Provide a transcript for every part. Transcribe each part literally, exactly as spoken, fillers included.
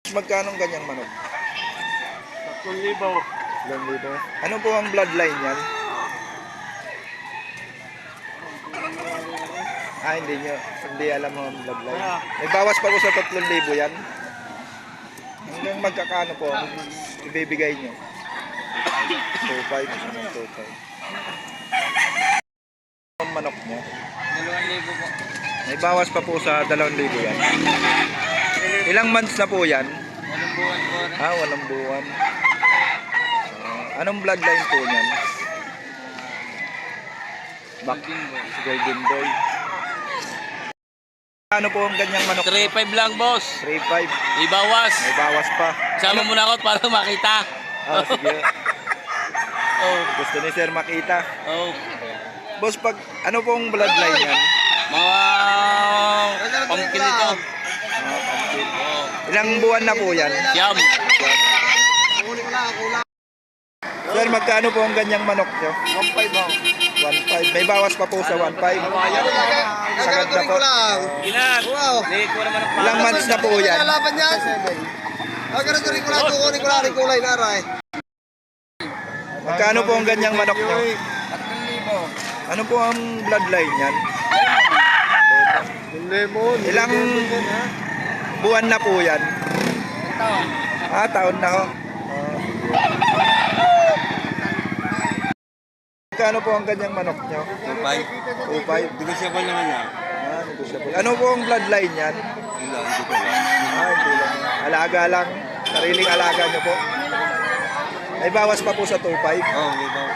Magkano ganyang manok? tatlong libo. tatlong libo. Ano po ang bloodline yan? Ah, hindi nyo. Hindi alam mo ang bloodline. May bawas pa po sa tatlong libo yan. Hanggang magkakano po ang ibibigay nyo? two five. two five. Ang manok nyo? dalawang libo po. May bawas pa po sa dalawang libo yan. Ilang months na po yan? Walang buwan po. Ah, walang buwan. Uh, anong bloodline po niyan? Back, si Golden Boy. Ano po ang ganyang manok? three five lang, boss. three five. Ibawas. May bawas pa. Sama mo na ako para makita. Ah, sige. Oh. Gusto ni Sir makita. Oh. Boss, pag ano pong bloodline yan? Mga pumpkin ito. Ah, pumpkin. Oh. Ilang buwan na po yan? Siyam. Sir, magkano po ang ganyang manok nyo? one five po. one five. May bawas pa po sa one five. Sagad na po. Ilan? Hindi ko naman ang Ilang months na po yan? Lalaban niya. Agad rin ko lang, kukunin ko lang rin kulay na aray. Magkano po ang ganyang manok nyo? tatlong libo. Ano po ang bloodline yan? Lemon. Ilang buwan na po yan? Ito. Ah, taon na ho. Magkano po ang ganyang manok nyo? two five. two five. Negosyable naman yan. Ah, negosyable. Ano po ang bloodline yan? Ilan, hindi ko lang. Ah, hindi lang. Alaga lang. Sariling alaga nyo po. May bawas pa po sa two five. Oh, may bawas.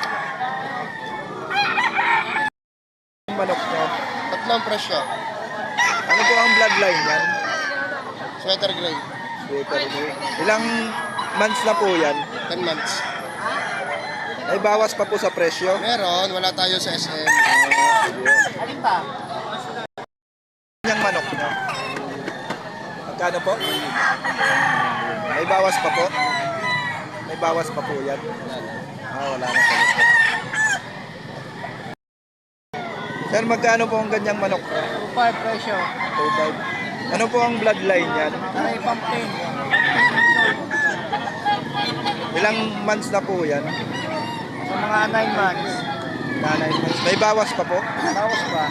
Ang manok nyo. Tatlong presyo. Ano po ang bloodline yan? Sweater gray. Sweater nyo. Ilang months na po yan? ten months. May bawas pa po sa presyo. Meron, wala tayo sa S M. Alin pa? Yung manok nyo. Magkano po? May bawas pa po? May bawas pa po yan? Ah, wala na sa gusto. Sir, magkano po ang ganyang manok? two five presyo. two five. Ano po ang bloodline yan? Aray, pumpkin. Ilang months na po yan? Sa mga nine months. nine months. May bawas pa po? Bawas pa.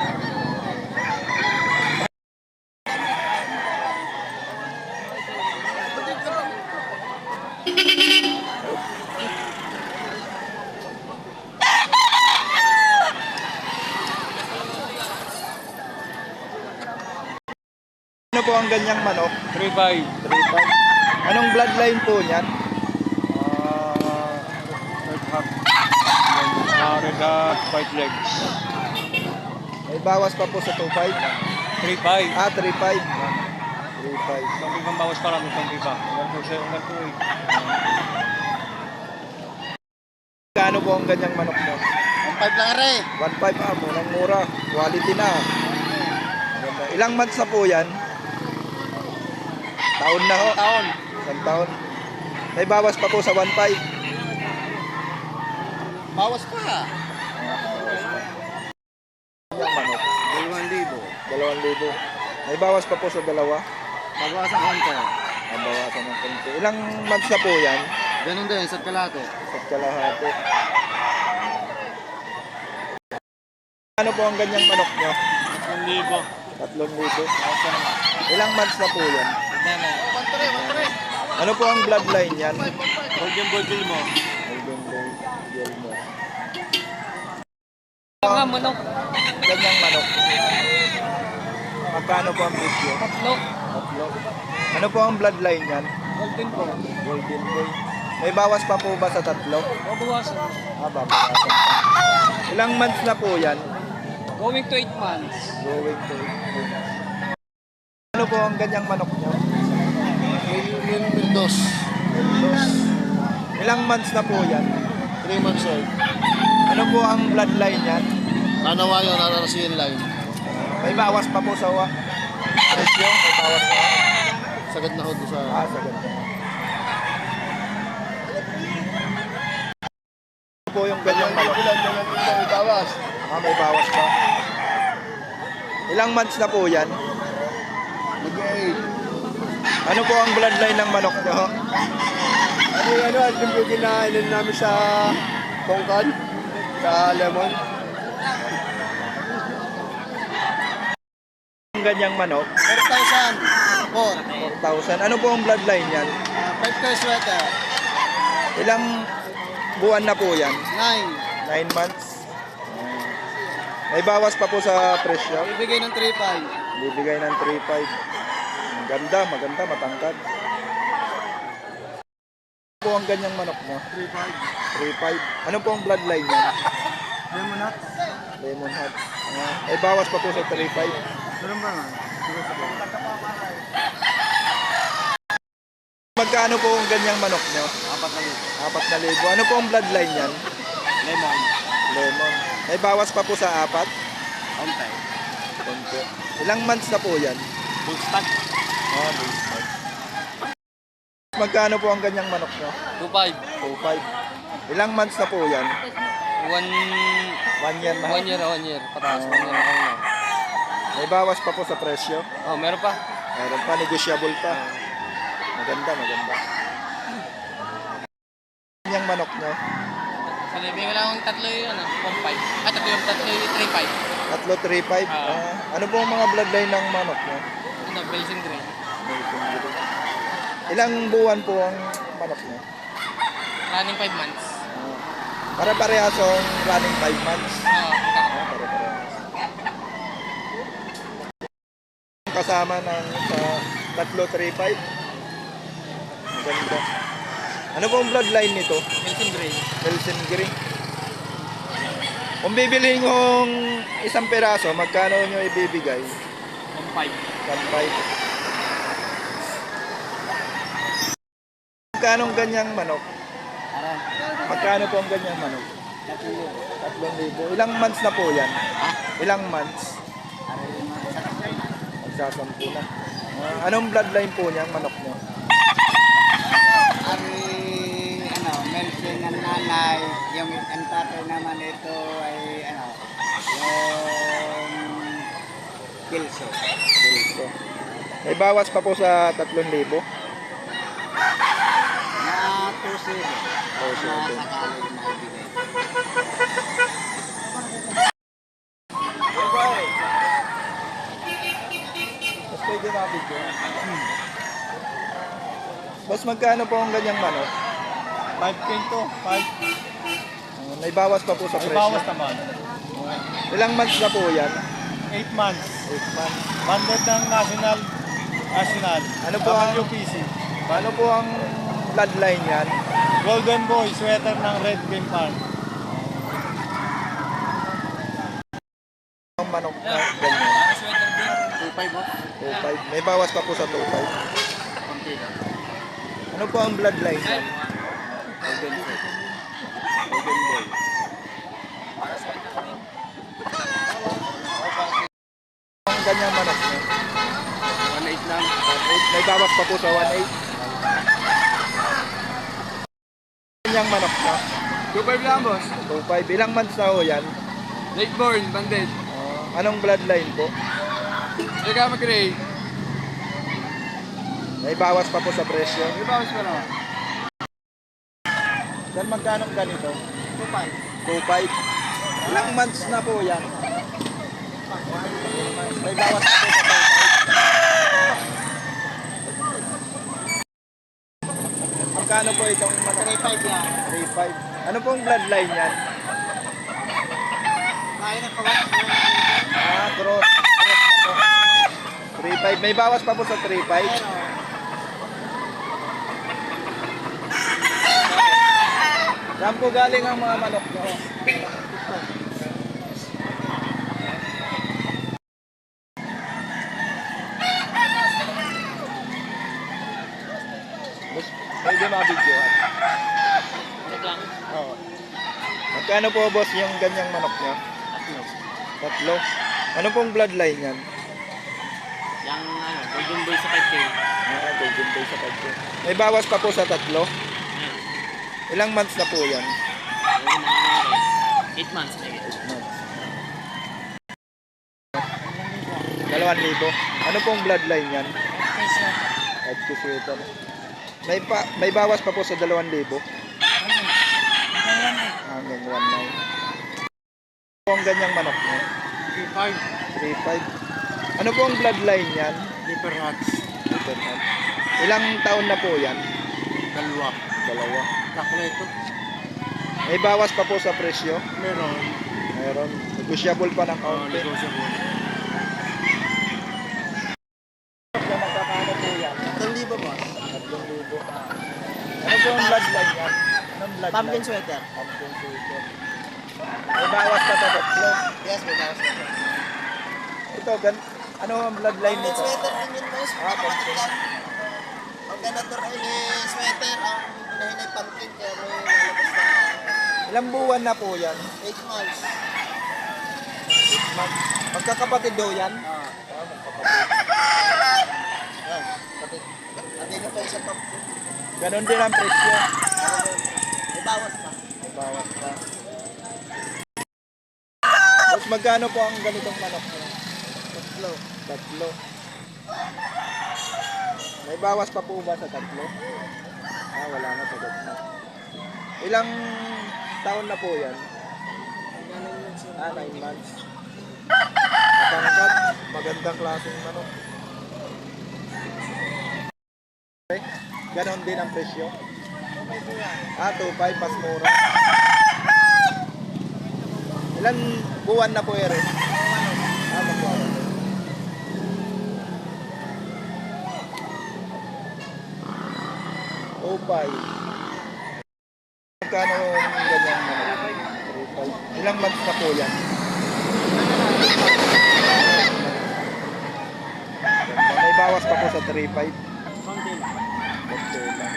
Ano po ang ganyang manok? three five. three five. Anong bloodline po niyan? Ah, red hat. Ah, red hat, white legs. May bawas pa po sa two five? three five. Ah, three five. three five. Itong ibang bawas pa lang, itong iba. One two seven, one two eight. Kano po ang ganyang manok mo? one five lang aray. one five ah, murang mura. Quality na. Maganda. Ilang months na po yan? Taon na ho. Taon. Isang taon. May bawas pa po sa one five. Bawas pa. Yung manok. Dalawang libo. Dalawang libo. May bawas pa po sa dalawa. Bawasan konti. Ang bawasan ng konti. Ilang months na po yan? Ganun din, sa kalate. Sa kalahati. Ano po ang ganyang manok nyo? Tatlong libo. Tatlong libo. Ilang months na po yan? Pantore, pantore. Ano po ang bloodline yan? Golden boy bill mo. Golden Boy, Yelmo. Mga manok. Ganyang manok. Magkano po ang presyo? Tatlo. Tatlo. Ano po ang bloodline yan? Golden po. Golden Boy. May bawas pa po ba sa tatlo? Mabawasan. Ah, babawasan pa. Ilang months na po yan? Going to eight months. Going to eight months. Ano po ang ganyang manok nyo? Dos. Ilang months na po yan? three months old. Ano po ang bloodline yan? Nanawayo, nanarasiyan line. May bawas pa po sa wa. Presyo? May bawas pa. Sagad na ho doon sa... Ah, sagad. Ano po yung ganyang manok? May bawas. Ah, may bawas pa. Ilang months na po yan? Mag-eight. Ano po ang bloodline ng manok nyo? Ano yung ano, ano yung kinainan namin sa Bongkad, sa Lemon. Ang ganyang manok, four thousand. four. four thousand. Ano po ang bloodline yan? five K sweater. Ilang buwan na po yan? nine. nine months. May bawas pa po sa presyo. Bibigay ng three five. Bibigay ng three five. Ang ganda, maganda, matangkad. Ano po ang ganyang manok mo? three five. three five. Ano po ang bloodline niya? Lemon hot. Lemon Hot. Ah, may bawas pa po sa three five. Meron ba nga? Magkano po ang ganyang manok nyo? Apat na libo. Apat na libo. Ano po ang bloodline yan? Lemon. Lemon. May bawas pa po sa apat? Ontay. Konti. Ilang months na po yan? Full stack. Ah, basic. Magkano po ang ganyang manok nyo? two five. two five. Ilang months na po yan? One, One year na. one year, one year. Pataas, one year ako na. May bawas pa po sa presyo. Oh, meron pa. Meron pa, negotiable pa. Maganda, maganda. Yung manok nyo? So, bibigyan ko lang akong tatlo yung ano, one five. Ah, tatlo yung tatlo yung three five. Tatlo, three five. Ah. Ah, ano po ang mga bloodline ng manok nyo? Ano, Belgian Grey. Ilang buwan po ang manok nyo? Running five months. Ah, para parehasong running five months. Oo, Ah, pare-parehas. Kasama ng sa tatlo, three five. Maganda. Ano po ang bloodline nito? Belgian Grey. Belgian Green. Kung bibilihin kong isang peraso, magkano nyo ibibigay? one five. one five. Magkano ang ganyang manok? Magkano po ang ganyang manok? Tatlong libo. Ilang months na po yan? Ilang months? Magsasampu na. Ah, anong bloodline po niya, manok nyo? Ari, ano, Melvin ng nanay, yung ang tatay naman ito ay, ano, yung Pilso. Dito. May bawas pa po sa tatlong libo. Na two zero. two zero. Na sakali na ibigay. Mas pwede mabigyo. Boss, magkano po ang ganyang manok? five K to. five. Ah, may bawas pa po sa May presyo. bawas naman. Ilang months na po yan? eight months. eight months. Banded ng National. National. Ano po ang- W P C. Ano po ang bloodline yan? Golden Boy, sweater ng Red Pin Farm. Ang manok na ganyan. Para sweater din. two five mo? two five. May bawas pa po sa two five. Konti lang. Ano po ang bloodline yan? Golden Boy. Golden Boy. Ang ganyang manok nyo? one eight lang. one eight. May bawas pa po sa one eight. Ganyang manok nyo? two five lang, boss. two five. Ilang months na ho yan? Late born, banded. Ah, anong bloodline po? Teka, mag-gray. May bawas pa po sa presyo. May bawas pa naman. Yan magkano ang ganito? two five. two five. Ilang months na po yan? May bawas pa po sa two five. Magkano po itong three five yan. three five? Ano pong bloodline yan? Kaya na pa ba? Ah, cross. Cross na po. three five. May bawas pa po sa three five. Saan po galing ang mga manok nyo? Mas, pwede mabidyohan. Wait lang. Oo. Magkano po boss yung ganyang manok nyo? Tatlo. Tatlo. Ano pong bloodline yan? Yung ano, Golden Boy sa five K. Ah, golden day sa tatlo. May bawas pa po sa tatlo. Ilang months na po yan? Yung mga ano, eight months na yun. Months. Dalawang libo. Ano pong bloodline yan? Okay, sir. five K sweater. May, pa, may bawas pa po sa dalawang libo. Hanggang one nine. Po ang ganyang manok niya? three five. three five. Ano po ang bloodline yan? Liver hats. Ilang taon na po yan? Dalawa. Dalawa. Kakleto. May bawas pa po sa presyo? Meron. Meron. Negotiable pa ng Oh, kaunti. negotiable. Magkakano po yan? Tatlong libo mo. tatlong libo. Ano po ang bloodline yan? Anong bloodline? Pumpkin sweater. Pumpkin sweater. May bawas pa to, tatlo. Yes, may bawas na. Ito, gan ano ang bloodline Pumpkin nito? sweater din yun, boss. Ah, pumpkin. Ang ganador ay eh, sweater. Ang unahin ay pumpkin. Kaya may lalabas na Ilang buwan na po yan? eight months. Mag magkakapatid daw yan? Ah. Ah, magkakapatid. Yan. Pati, pati na pa isang pumpkin. Ganon din ang presyo. May bawas pa. May bawas pa. Tapos magkano po ang ganitong manok mo? Tatlo. Tatlo. May bawas pa po ba sa tatlo? Ah, wala na, sagot na. Ilang taon na po yan? Ah, nine months. Matangkat, magandang klaseng manok. Okay. Ganon din ang presyo? Ah, two five, mas mura. Ilan buwan na po ere? Ah, magwawan. two five. Magkano yung ganyan manok? three five. Ilang months na po yan? May bawas pa po sa three five. Konti lang. Konti lang.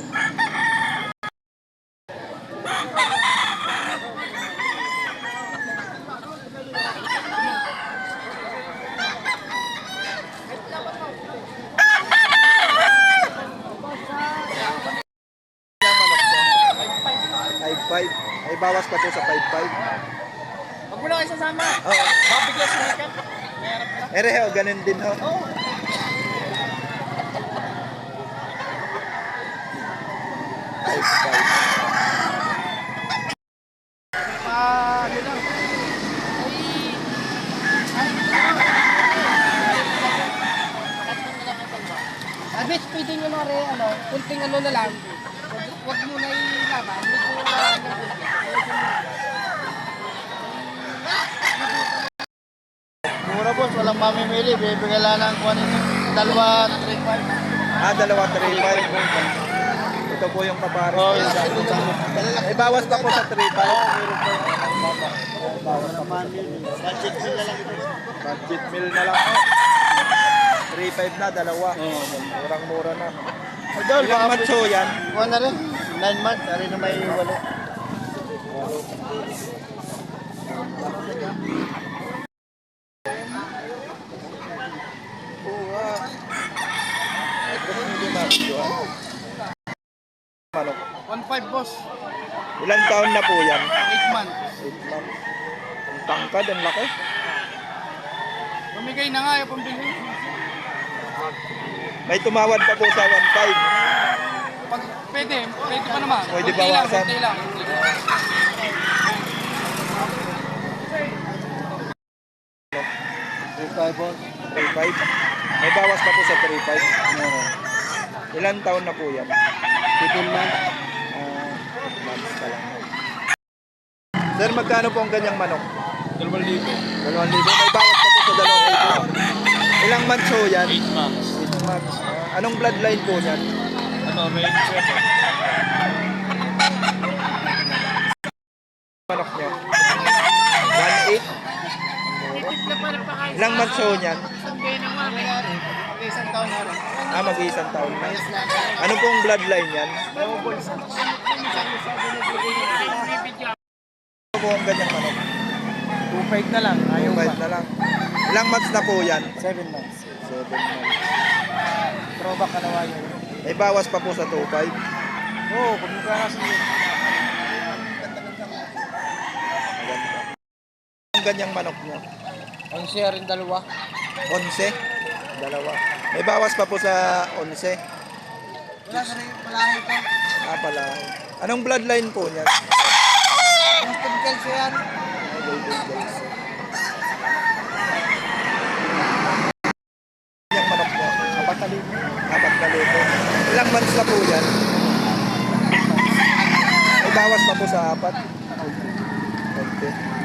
five five. May bawas pa po sa five five. Huwag mo na kayo sasama. Oo. Mabigyan sa ikat. Mayroon ka. Ere ho, ganun din ho. Oo. five five. Ah, ano lang. Abis, pwede nyo na rin, ano, kunting ano na lang. Wag, wag mo na ilaban. Medyo lang ng kunti. Mura boss, walang mamimili. Bibigyan lang ng kuha nito. Dalawa, three five. Ah, dalawa three five. Ito po yung kapares. Oh, ko. yes. Ito sa May bawas pa po sa three five. budget bill na lang ito. Budget meal na lang ho. three five na, dalawa. Murang-mura na. Idol, Ilang baka macho yan? kuha na rin. nine months, ari na may walo. Oo, ah. Ito hindi macho, ah. Manok. one five boss, Ilang taon na po yan? eight months. eight months. Ang tangkad, ang laki. Pamigay na nga, yung pambili. May tumawad pa po sa one five. Pag pwede, pwede pa naman. Pwede Kunti lang, bawasan. kunti lang. three five boss. three five. May bawas pa po sa three five. Ilan taon na po yan? fifteen months. Ah, months pa lang. Sir, magkano po ang ganyang manok? Dalawang libo. Dalawang libo. May bawas pa po sa dalawang libo. Ilang months ho yan? eight months. eight months. Ah, anong bloodline po yan? Ano, may sweater. Manok nyo? one eight. Ilang months ho yan? Isang taon na rin. Ah, mag-iisang taon na. Ano pong bloodline yan? Ano po ang ganyang manok? two five na lang. Ayaw Five pa. na lang. Ilang months na po yan? seven months. Seven months. Throwback ka nawa yun. May bawas pa po sa two five. Oo, oh, pag mukha kasi yun. Maganda. Ang ganyang manok nyo? Ang share rin dalawa. Onse? Dalawa. May bawas pa po sa onse. Wala sa rin, malayo ito. Ah, pala. Anong bloodline po niyan? Boston Kelso yan. Yung manok po. Apat na libo. Apat na libo. Ilang months na po yan? May bawas pa po sa apat. Okay.